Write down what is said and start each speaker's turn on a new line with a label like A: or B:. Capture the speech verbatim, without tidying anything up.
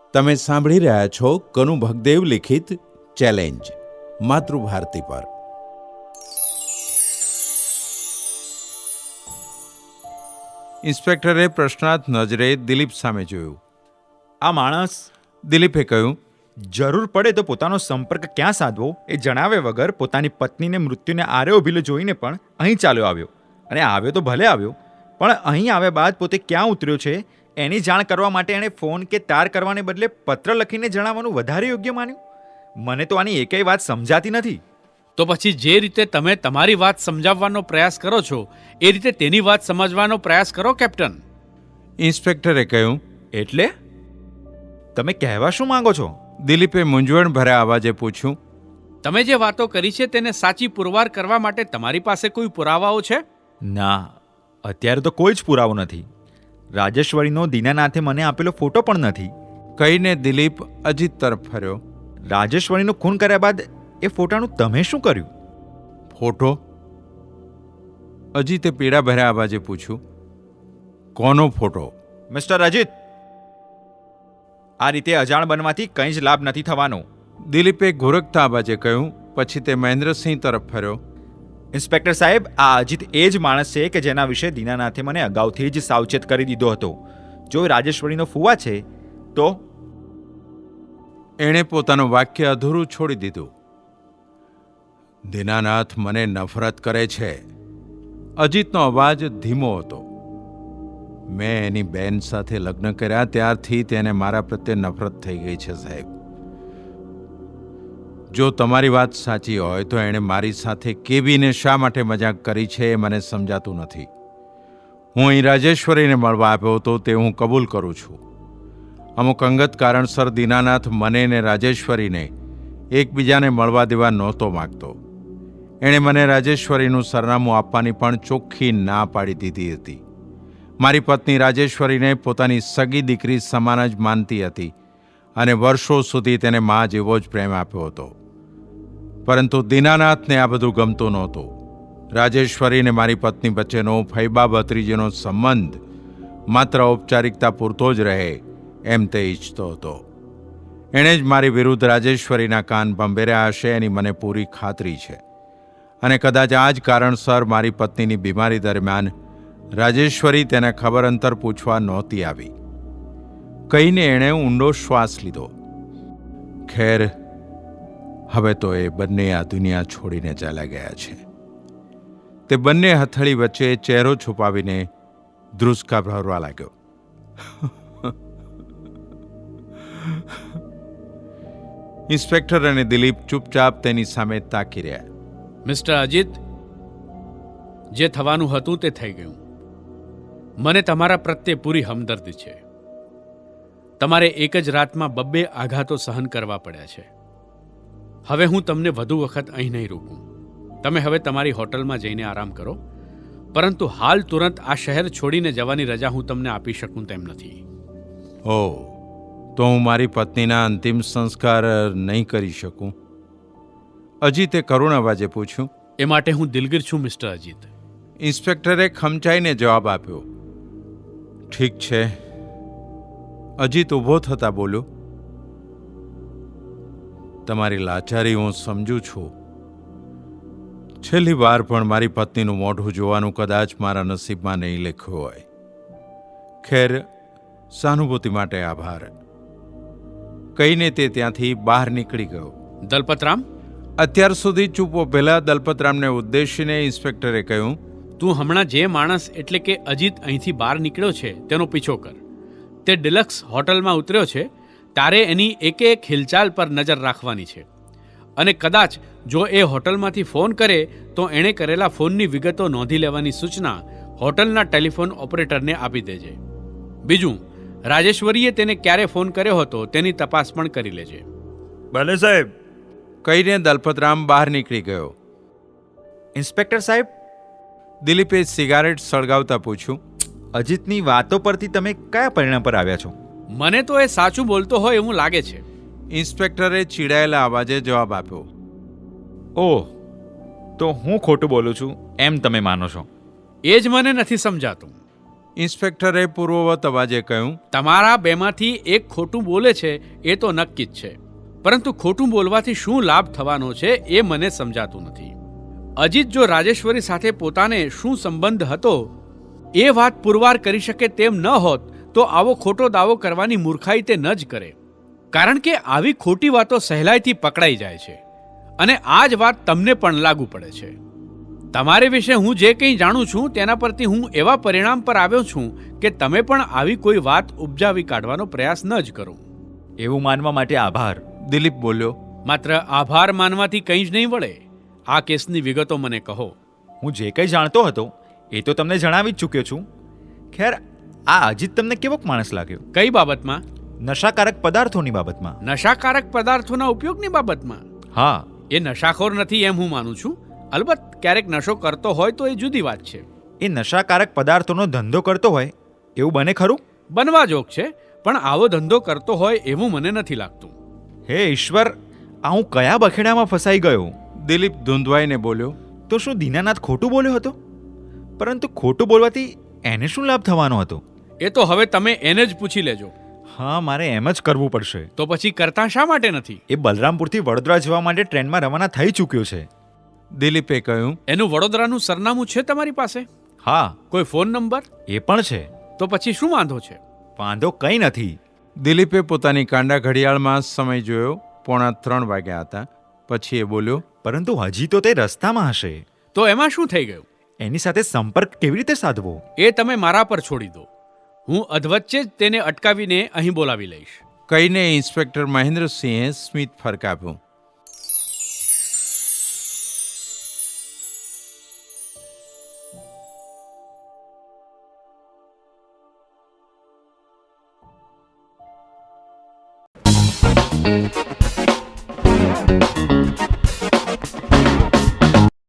A: તમે સાંભળી રહ્યા છો કનુ ભગદેવ લિખિત ચેલેન્જ માતૃભારતી પર. ઇન્સ્પેક્ટરે પ્રશ્નાર્થ નજરે દિલીપ સામે જોયું.
B: આ માણસ,
A: દિલીપે કહ્યું,
B: જરૂર પડે તો પોતાનો સંપર્ક ક્યાં સાધવો એ જણાવ્યા વગર પોતાની પત્નીને મૃત્યુને આરે ઉભેલો જોઈને પણ અહીં ચાલ્યો આવ્યો. અને આવ્યો તો ભલે આવ્યો, પણ અહીં આવ્યા બાદ પોતે ક્યાં ઉતર્યો છે એની જાણ કરવા માટે એણે ફોન કે તાર કરવાને બદલે પત્ર લખીને જણાવવાનું વધારે યોગ્ય માન્યું. મને તો આની એકેય વાત સમજાતી નથી.
C: તો પછી જે રીતે તમે તમારી વાત સમજાવવાનો પ્રયાસ કરો છો એ રીતે તેની વાત સમજવાનો પ્રયાસ કરો કેપ્ટન.
A: ઇન્સ્પેક્ટરે કહ્યું.
B: એટલે તમે કહેવા શું માંગો છો?
A: દિલીપે મૂંઝવણ ભર્યા અવાજે પૂછ્યું.
C: તમે જે વાતો કરી છે તેને સાચી પુરવાર કરવા માટે તમારી પાસે કોઈ પુરાવાઓ છે?
B: ના, અત્યારે તો કોઈ જ પુરાવો નથી. રાજેશ્વરીનો દીનાનાથે મને આપેલો ફોટો પણ નથી.
A: કહીને દિલીપ અજીત તરફ ફર્યો.
B: રાજેશ્વરીનું ખૂન કર્યા બાદ એ ફોટાનું તમે શું કર્યું?
A: ફોટો? અજીતે પીડા ભર્યા અવાજે પૂછ્યું. કોનો ફોટો?
B: મિસ્ટર અજીત, આ રીતે અજાણ બનવાથી કંઈ જ લાભ નથી થવાનો.
A: દિલીપે ઘોરકતા અવાજે કહ્યું. પછી તે મહેન્દ્રસિંહ તરફ ફર્યો.
B: ઇન્સ્પેક્ટર સાહેબ, આ અજીત એ જ માણસ છે કે જેના વિશે દીનાનાથે મને અગાઉથી જ સાવચેત કરી દીધો હતો. જો એ રાજેશ્વરીનો ફુવા છે તો...
A: એણે પોતાનું વાક્ય અધૂરું છોડી દીધું. દીનાનાથ મને નફરત કરે છે. અજીતનો અવાજ ધીમો હતો. મેં એની બેન સાથે લગ્ન કર્યા ત્યારથી તેને મારા પ્રત્યે નફરત થઈ ગઈ છે સાહેબ. જો તમારી વાત સાચી હોય તો એણે મારી સાથે કેવીને શા માટે મજાક કરી છે એ મને સમજાતું નથી. હું અહીં રાજેશ્વરીને મળવા આવ્યો હતો તે હું કબૂલ કરું છું. અમુક અંગત કારણસર દીનાનાથ મને ને રાજેશ્વરીને એકબીજાને મળવા દેવા નહોતો માગતો. એણે મને રાજેશ્વરીનું સરનામું આપવાની પણ ચોખ્ખી ના પાડી દીધી હતી. મારી પત્ની રાજેશ્વરીને પોતાની સગી દીકરી સમાન જ માનતી હતી અને વર્ષો સુધી તેને મા જેવો જ પ્રેમ આપ્યો હતો. પરંતુ દીનાનાથને આ બધું ગમતું નહોતું. રાજેશ્વરીને મારી પત્ની વચ્ચેનો ફૈબા ભત્રીજીનો સંબંધ માત્ર ઔપચારિકતા પૂરતો જ રહે એમ તે ઈચ્છતો હતો. એણે જ મારી વિરુદ્ધ રાજેશ્વરીના કાન ભંભેર્યા હશે એની મને પૂરી ખાતરી છે. અને કદાચ આ જ કારણસર મારી પત્નીની બીમારી દરમિયાન રાજેશ્વરી તેને ખબર અંતર પૂછવા નહોતી આવી. કહીને એણે ઊંડો શ્વાસ લીધો. ખેર, હવે તો એ બંને આ દુનિયા છોડીને ચાલ્યા ગયા છે. તે બંને હથેળી વચ્ચે ચહેરો છુપાવીને ધ્રુસકા ભરવા લાગ્યો. ઇન્સ્પેક્ટર અને દિલીપ ચૂપચાપ તેની સામે તાકી રહ્યા.
C: મિસ્ટર અજીત, જે થવાનું હતું તે થઈ ગયું. મને તમારા પ્રત્યે પૂરી હમદર્દી છે. તમારે એક જ રાતમાં બબ્બે આઘાતો સહન કરવા પડ્યા છે. હવે હું તમને વધુ વખત અહીં નહીં રોકું. તમે હવે તમારી હોટલમાં જઈને આરામ કરો. પરંતુ હાલ તુરંત આ શહેર છોડીને જવાની રજા હું તમને આપી શકું તેમ નથી.
A: ઓહ, તો હું મારી પત્નીના અંતિમ સંસ્કાર નહીં કરી શકું? અજીતે કરુણ અવાજે પૂછ્યું.
C: એ માટે હું દિલગીર છું મિસ્ટર અજીત.
A: ઇન્સ્પેક્ટરે ખમચાઈને જવાબ આપ્યો. ઠીક છે. અજીત ઊભો થતા બોલ્યો. તમારી લાચારી હું સમજું છું. છેલ્લી વાર પણ મારી પત્નીનું મોઢું જોવાનું કદાચ મારા નસીબમાં નહીં લખ્યું હોય. ખેર, સહાનુભૂતિ માટે આભાર. કહીને તે ત્યાંથી બહાર નીકળી ગયો.
C: દલપતરામ,
A: અત્યાર સુધી ચૂપ ઉભેલા દલપતરામને ઉદ્દેશીને ઇન્સ્પેક્ટરે કહ્યું.
C: તું હમણાં જે માણસ એટલે કે અજીત અહીંથી બહાર નીકળ્યો છે તેનો પીછો કર. તે ડિલક્સ હોટલમાં ઉતર્યો છે ત્યારે એની એક એક હિલચાલ પર નજર રાખવાની છે. અને કદાચ જો એ હોટલમાંથી ફોન કરે તો એણે કરેલા ફોનની વિગતો નોંધી લેવાની સૂચના હોટલના ટેલિફોન ઓપરેટરને આપી દેજે. બીજું, રાજેશ્વરીએ તેને ક્યારે ફોન કર્યો હતો તેની તપાસ પણ કરી લેજે.
B: ભલે સાહેબ.
A: કહીને દલપતરામ બહાર નીકળી ગયો.
B: ઇન્સ્પેક્ટર સાહેબ,
A: દિલીપે સિગારેટ સળગાવતા પૂછ્યું.
B: અજીતની વાતો પરથી તમે કયા પરિણામ પર આવ્યા છો?
C: મને તો એ સાચું બોલતો હોય એવું લાગે છે.
A: ઇન્સ્પેક્ટરે ચીડાયેલા અવાજે જવાબ આપ્યો.
B: ઓહ, તો હું ખોટું બોલું છું એમ તમે માનો છો?
C: એ જ મને નથી સમજાતું.
A: ઇન્સ્પેક્ટરે પૂર્વવત અવાજે કહ્યું.
C: તમારા બેમાંથી એક ખોટું બોલે છે એ તો નક્કી જ છે, પરંતુ ખોટું બોલવાથી શું લાભ થવાનો છે એ મને સમજાતું નથી. અજીત જો રાજેશ્વરી સાથે પોતાને શું સંબંધ હતો એ વાત પુરવાર કરી શકે તેમ ન હોત તો આવો ખોટો દાવો કરવાની મૂર્ખાઈ તે ન જ કરે, કારણ કે આવી ખોટી વાતો સહેલાઈથી પકડાઈ જાય છે અને આ જ વાત તમને પણ લાગુ પડે છે. તમારી વિશે હું જે કંઈ જાણું છું તેના પરથી હું એવા પરિણામ પર આવ્યો છું કે તમે પણ આવી કોઈ વાત ઉપજાવી કાઢવાનો પ્રયાસ ન જ કરો.
B: એવું માનવા માટે આભાર.
A: દિલીપ બોલ્યો.
C: માત્ર આભાર માનવાથી કંઈ જ નહીં વળે. આ કેસની વિગતો મને કહો.
B: હું જે કંઈ જાણતો હતો એ તો તમને જણાવી જ ચૂક્યો છું. ખેર, આ અજીત તમને કેવોક માણસ લાગ્યો?
C: કઈ બાબતમાં?
B: નશાકારક પદાર્થોની બાબતમાં.
C: નશાકારક પદાર્થોના ઉપયોગની બાબતમાં?
B: હા.
C: એ નશાખોર નથી એમ હું માનું છું. અલબત્ત ક્યારેક નશો કરતો હોય તો એ જુદી વાત છે.
B: એ નશાકારક પદાર્થોનો ધંધો કરતો હોય એવું બને ખરું?
C: બનવા જોગ છે, પણ આવો ધંધો કરતો હોય એવું મને નથી લાગતું.
B: હે ઈશ્વર, આ હું કયા બખેડામાં ફસાઈ ગયો?
A: દિલીપ ધૂંધવાઈને બોલ્યો.
B: તો શું દીનાનાથ ખોટું બોલ્યો હતો? પરંતુ ખોટું બોલવાથી એને શું લાભ થવાનો હતો?
C: એ તો હવે તમે એને જ પૂછી લેજો.
B: હા, મારે એમ જ કરવું પડશે.
C: તો પછી કરતા શા માટે નથી?
B: એ બલરામપુરથી વડોદરા જવા માટે ટ્રેનમાં રવાના થઈ ચૂક્યો છે.
A: દિલીપે કહ્યું.
C: એનું વડોદરાનું સરનામું છે તમારી પાસે?
B: હા.
C: કોઈ ફોન નંબર?
B: એ પણ છે.
C: તો પછી શું વાંધો છે?
B: વાંધો કંઈ નથી.
A: દિલીપે પોતાની કાંડા ઘડિયાળમાં સમય જોયો. પોણા ત્રણ વાગ્યા હતા. પછી એ બોલ્યો.
B: પરંતુ હજી તો તે રસ્તામાં હશે.
C: તો એમાં શું થઈ ગયું?
B: એની સાથે સંપર્ક કેવી રીતે સાધવો?
C: એ તમે મારા પર છોડી દો. હું અધવચ્ચે જ તેને અટકાવીને અહીં બોલાવી લઈશ.
A: કહીને ઇન્સ્પેક્ટર મહેન્દ્રસિંહે સ્મિત ફરકાવ્યું.